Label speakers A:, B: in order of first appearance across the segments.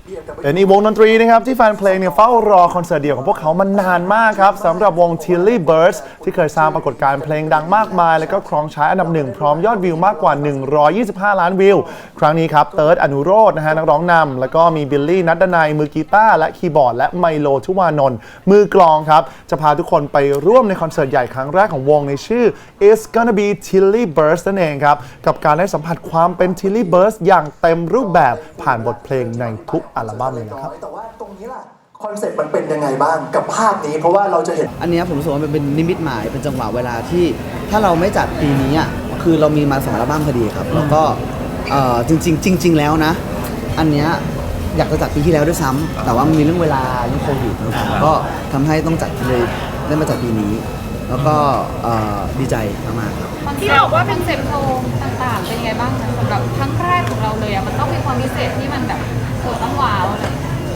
A: เป็นอีกวงดนตรีนะครับที่แฟนเพลงเนี่ยเฝ้ารอคอนเสิร์ตเดี่ยวของพวกเขามานานมากครับสำหรับวง Tilly Birds ที่เคยสร้างปรากฏการณ์เพลงดังมากมายและก็ครองใช้อันดับหนึ่งพร้อมยอดวิวมากกว่า125ล้านวิวครั้งนี้ครับเติร์ดอนุโรจน์นะฮะนักร้องนำแล้วก็มีบิลลี่นัดดนัยมือกีตาร์และคีย์บอร์ดและไมโลทุวานนท์มือกลองครับจะพาทุกคนไปร่วมในคอนเสิร์ตใหญ่ครั้งแรกของวงในชื่อ It's Gonna Be Tilly Birds นั่นเองครับกับการได้สัมผัสความเป็น Tilly Birds อย่างเต็มรูปแบบผ่านบทเพลงในทุกอัลบั้มเลยนะครับ
B: แต่ว่าตรงนี้ล่ะคอนเซ็ปต์มันเป็นยังไงบ้างกับภาพนี้เพราะว่าเราจะเห็น
C: อันนี้ผมรู้สึกว่ามันเป็นนิมิตหมายเป็นจังหวะเวลาที่ถ้าเราไม่จัดปีนี้อ่ะคือเรามีมา2อัลบั้มพอดีครับแล้วก็จริงแล้วนะอันเนี้ยอยากจะจัดปีที่แล้วด้วยซ้ำแต่ว่ามันมีเรื่องเวลาเรื่องโควิดก็ทำให้ต้องจัดเลยได้มาจัดปีนี้แล้วก็ดีใจมากๆครับ
D: ที่บอกว่าเป็นเซ็ปโชว์ต่างๆเป็นยังไงบ้างสำหรับครั้งแรกของเราเลยอ่ะมันต้องมีความพิเศษที่มันแบบต้องว้าวอะไร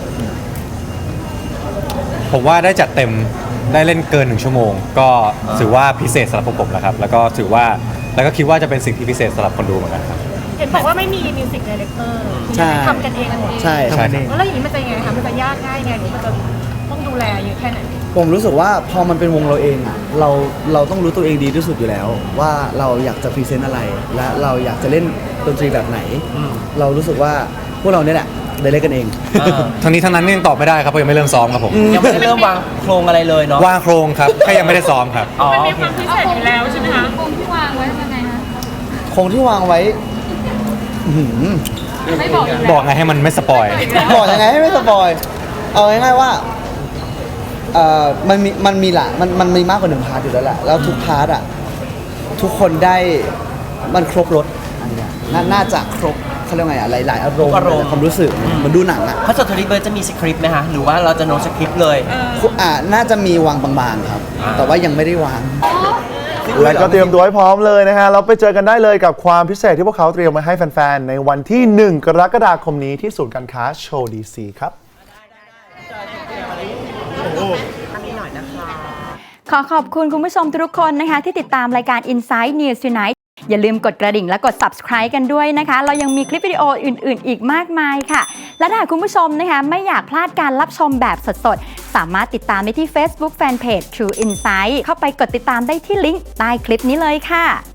E: ผมว่าได้จัดเต็มได้เล่นเกิน1 ชั่วโมงก็ถือว่าพิเศษสำหรับผมแล้วครับแล้วก็ถือว่าแล้วก็คิดว่าจะเป็นสิ่งที่พิเศษสำหรับคนดูเหมือนกันครับ
D: เห็นบอกว่าไม่มีมิวสิกไดเรคเตอร์ทำกันเอง
C: ใช่
D: แล้วอย่างนี้มันจะยังไงคะมันจะยากง่ายไงหรือมันจะต้องดูแลเยอะแค่ไหน
C: ผมรู้สึกว่าพอมันเป็นวงเราเองอ่ะเราต้องรู้ตัวเองดีที่สุดอยู่แล้วว่าเราอยากจะพรีเซนต์อะไรและเราอยากจะเล่นดนตรีแบบไหนเรารู้สึกว่าพวกเราเนี่ยแหละได้เล่นกันเอง
E: ทั้งนี้ทั้งนั้นยังตอบไม่ได้ครับเพราะยังไม่เริ่มซ้อมครับผม
F: ยังไม่ได้เริ่มวางโครงอะไรเลยเนาะ
E: วางโครงครับแค่ยังไม่ได้ซ้อมครับ
D: มันมีความพิเศษอยู่แล้วใช่ไหมคะโครงที่วางไว้ยังไงคะ
C: โครงที่วางไว้
D: ไม่บอก
E: บอกไงให้มันไม่สปอย
C: บอกยังไงให้ไม่สปอยเอาง่ายๆว่ามันมีละมันมีมากกว่า1 พาร์ทอยู่แล้วแหละแล้วทุกพาร์ทอ่ะทุกคนได้มันครบรสอันนี้น่าจะครบเขาเรียกไงอ่ะหลายๆอารมณ์ความรู้สึกเหมือนดูหนังอ่ะ
F: คอนเสิร์ตTilly Birdsจะมีสคริปต์ไหมคะหรือว่าเราจะโน้ตสคริปต์เลย
C: น่าจะมีวางบางๆครับแต่ว่ายังไม่ได้วาง
A: และก็เตรียมตัวให้พร้อมเลยนะฮะเราไปเจอกันได้เลยกับความพิเศษที่พวกเขาเตรียมมาให้แฟนๆในวันที่1 กรกฎาคมนี้ที่ศูนย์การค้าโชว์ดีซีครับ
G: ขอขอบคุณคุณผู้ชมทุกคนนะคะที่ติดตามรายการ Inside News Tonight อย่าลืมกดกระดิ่งและกด subscribe กันด้วยนะคะเรายังมีคลิปวิดีโออื่นๆอีกมากมายค่ะและถ้าคุณผู้ชมนะคะไม่อยากพลาดการรับชมแบบสดๆสามารถติดตามได้ที่ Facebook Fanpage True Insight เข้าไปกดติดตามได้ที่ลิงก์ใต้คลิปนี้เลยค่ะ